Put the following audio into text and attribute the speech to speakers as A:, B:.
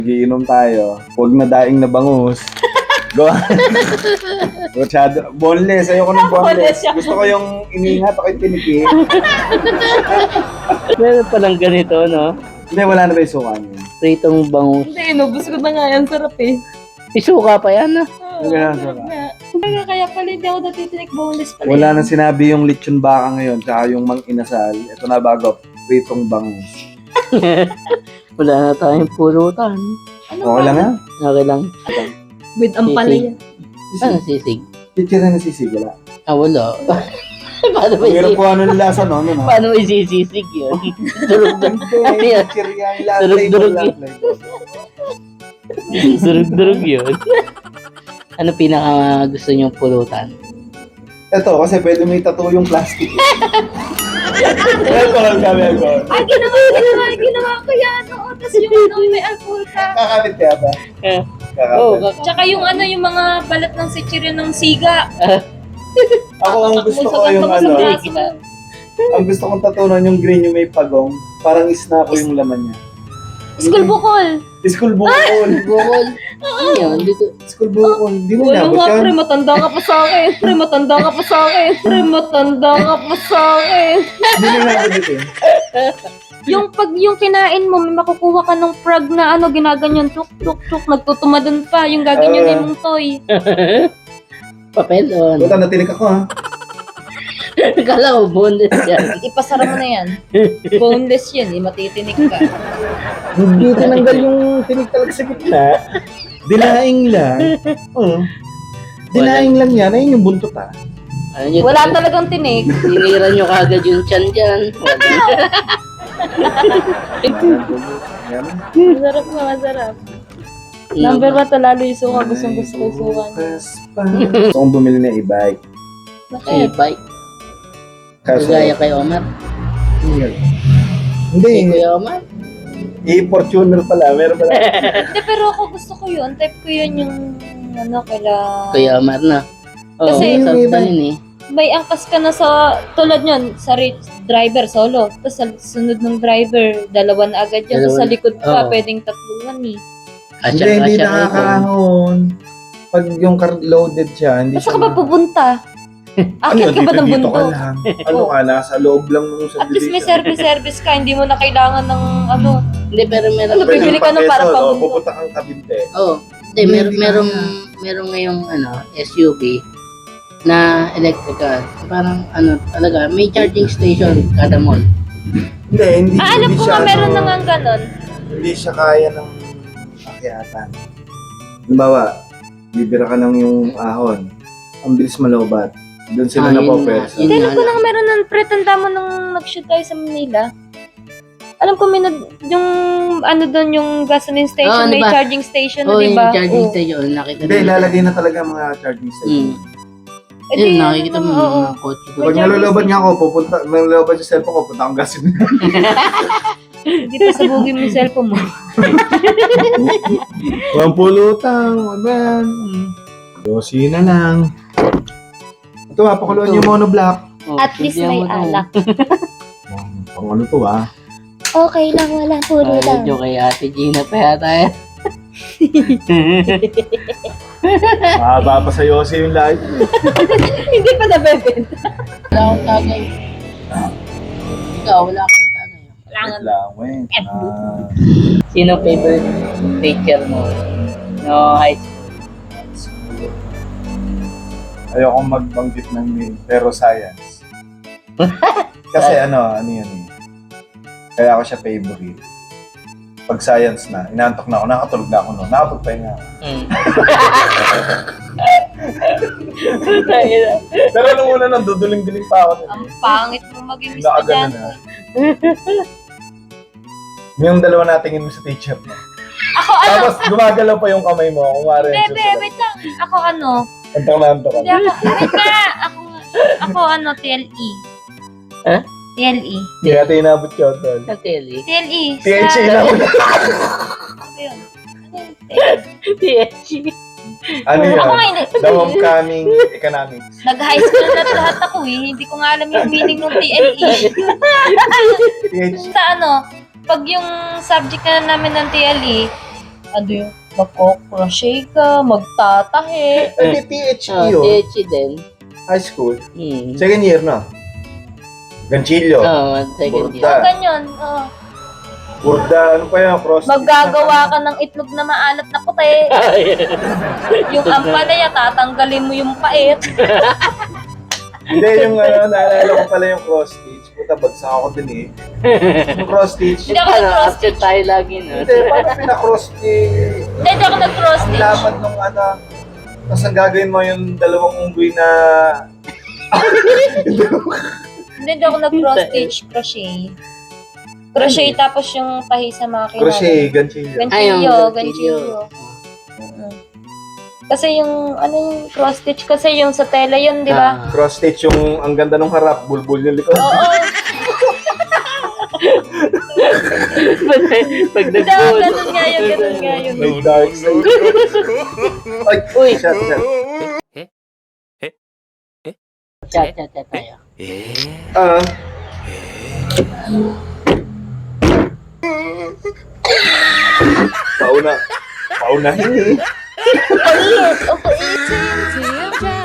A: Giinom tayo. Huwag na daing na bangus. Go. Masyado. Boneless. Ayoko ng boneless. Gusto ko yung iniingat ako yung tiniki.
B: Meron palang ganito, no?
A: Hindi, wala na ba yung suka niyo?
B: Pritong bangus.
C: Hindi, inubos ko na nga yan. Sarap eh.
B: Isuka pa yan, no?
C: Oo,
A: Ganun,
C: sarap
A: sarap.
C: nga. Kaya pala hindi ako natitinik boneless pala.
A: Wala nang sinabi yung lechon baka ngayon, tsaka yung mang inasal. Ito na bago, pritong bangus.
B: Wala na tayong pulutan.
C: Ano
A: Okay lang yan?
B: Okay lang.
C: With ampalaya.
B: Ano sisig?
A: Chichir na nasisig, wala.
B: Ah, wala. Paano
A: Ang hirap
B: may
A: po ano nila sa no?
B: Paano may sisig yun? Durug-durug. Ano yan?
A: Chichir yan, lahat
B: Durug-durug
A: label,
B: yun.
A: lahat label.
B: Durug-durug yun. Ano pinaka gusto niyong pulutan?
A: Ito, kasi pwede may tattoo yung plastic. Alcohol ka, alcohol.
C: Ay, ginawa ko yan. Oo, tapos yung ano, may alcohol ka.
A: Kakapit kaya ba?
B: Eh,
A: Kakapit.
C: Tsaka yung ano, yung mga balat ng sitsirya ng siga.
A: Ako ang gusto ko yung
C: Takbo sa
A: ano,
C: braso mo.
A: ang gusto kong tatunan yung green yung may pagong. Parang isna ko yung laman niya.
C: School bukol.
A: School bukol.
B: bukol. Ano yun? Dito.
A: School bukol. Di mo
C: Wala
A: nabot
C: nga,
A: yan?
C: pre, matanda ka pa sa akin. Pre, matanda ka pa sa akin. Pre, matanda ka pa sa akin.
A: Di mo nabot ito eh.
C: Yung pag yung kinain mo, may makukuha ka ng frog na ano, ginaganyan, tuk, tuk, tuk, nagtutumadan pa, yung gaganyan mong toy.
B: Papel o ano?
A: Buta, natinik ako ha.
B: Kala ko boneless yan.
C: Ipasara mo na yan. Boneless yan, matitinik ka.
A: Hindi tinanggal yung tinik talaga sa gitna. Dinaing lang. Oo. Dinaing lang yan. Ayun yung buntot ha.
B: Ano yun?
C: Wala talagang tinik.
B: Sinira nyo kagad yung tiyan dyan.
A: Yan.
C: Masarap nga, masarap. Number 1 lalo yung suka, gustong gusto ko yung suka.
A: Gusto kong bumili na e-bike.
C: Bakit?
B: bike.
A: Kaso,
B: Kagaya kay Omar. Kay
A: hindi.
B: Kuya Omar.
A: E-Fortuner pala. Meron pala.
C: Hindi, pero ako gusto ko yun. Type ko yun yung ano, kaila...
B: Kuya Omar na. Oo,
C: Kasi-
B: sa dalin eh.
C: May angkas ka na sa, tulad yun, sa driver, solo. Tapos sa sunod ng driver, dalawa na agad yun. Tapos sa
B: Dalawa.
C: likod pa,
B: Oo.
C: pwedeng tatluan eh.
A: Hindi nakakahon. Pag yung car loaded siya, hindi
C: Basta
A: siya
C: ka ba pupunta? Akit ka ba ng
A: dito ka
C: bundok?
A: lang. Ano ka, nasa loob lang ng
C: At least may
A: subdivision.
C: service ka, hindi mo na kailangan ng ano.
B: Hindi, pero meron.
C: Ano, bibili ka ng para
A: Pag-Quezon,
C: pabundok.
A: pupunta kang Cavite.
B: Oo. Hindi, merong ngayong SUV na electrical. Parang talaga, may charging station kada mall.
A: Hindi
C: Alam ko
A: siya,
C: nga, meron na nga ganon.
A: Hindi siya kaya ng akyatan. Halimbawa, bibira ka ng yung ahon. Ang bilis malobat. Doon sila
B: Ah,
A: na
B: yun
A: po
B: na.
A: persa.
B: Yun
C: Alam ko na nga meron nun, pre, tanda mo nung nag-shoot tayo sa Manila. Alam ko, yung ano doon, yung gasoline station,
B: ano
C: may
B: ba?
C: charging station,
B: Oo,
C: di
B: yung
C: ba?
B: charging
C: Oo.
B: station. Nakita
A: Hindi, ilalagay na talaga mga charging station.
C: Eh, di,
B: Yun, nakikita mo
C: oo.
B: mga kotse doon.
A: Pag nalolobat nga ako, nalolobat sa cellphone ko, punta akong gasoline.
C: Hindi pa sabugin mo yung cellphone mo.
A: Walang pulutang, man. Dosi na lang. Ito pakuluan yung monoblock.
B: Oh,
C: At least may
B: tignan mo to.
C: alak.
A: Pang ano to
C: Okay lang, walang puro
B: Ay, medyo kay Ate Gina pa yata eh.
A: Mahaba pa sa Yossi yung live.
C: Hindi pa nabebenta.
B: Wala akong tagay. Ikaw, wala akong tagay.
C: Kailangan.
A: lang, wait.
B: Sino favorite teacher mo? No, high school.
A: Ayokong magbanggit ng name, pero science. Kasi ano yun eh. Kaya ako siya favorite. Pag science na, inaantok na ako, nakatulog na ako noon, nakapagpahinga ako. Pero nung una nang duduling-duling pa ako.
C: Ang pangit mo maging
A: Nakaganon
C: estudyante.
A: Yung dalawa natingin mo sa teacher mo.
C: Ako ano?
A: Tapos gumagalaw pa yung kamay mo. Kung wari yung
C: Bebe, wait lang. Ako ano?
A: Antok na antok
C: Hindi ako, wait nga. Ako ano, TLE.
B: Ha?
C: TLE.
A: Hindi natin inabot yun, tol.
B: Sa tele.
C: TLE.
A: THC inabot.
C: Ano yun? Ano yun?
B: THC.
A: Ano yun?
C: Ako nga hindi.
A: The Homecoming Economics.
C: Nag-high school na lahat ako eh. Hindi ko nga alam yung meaning ng TLE.
A: THC.
C: Sa ano, pag yung subject na namin ng TLE, Ano yung magko-crochet ka, magtatahe.
A: Hindi, THE yun.
B: THC din.
A: High school.
B: Hmm.
A: Second year na. Ganchillo.
B: Second year.
A: Burda.
C: Ganyan.
A: Burda, ano pa yan? Cross.
C: Maggagawa ka ng itlog na maalat na puti. Yung ampalaya, tatanggalin mo yung pait.
A: Hindi, yung naalala ko pala yung cross stitch. Puta, bagsak ako din eh. Yung cross stitch.
C: Hindi ako nag-cross
B: After tayo lagi, no?
A: Hindi, paano pinakross stitch?
C: Hindi ako nag-cross
A: Ang
C: stitch.
A: laman nung tapos ang gagawin mo yung dalawang unggoy na
C: Hindi ako nag-cross stitch, crochet. Crochet tapos yung tahi sa makina.
A: crochet, ganchillo.
C: Ganchillo. Kasi yung, yung cross stitch kasi yung sa tela yun, di ba?
A: Cross stitch yung ang ganda ng harap, bulbul yung likod.
C: Oo.
B: Pag
C: Hindi, ganun nga yun.
A: May dark side. Ay,
B: Uy.
A: shot.
B: Chat tayo.
A: Paunahin eh.
C: Pait! Okay.
D: TNT,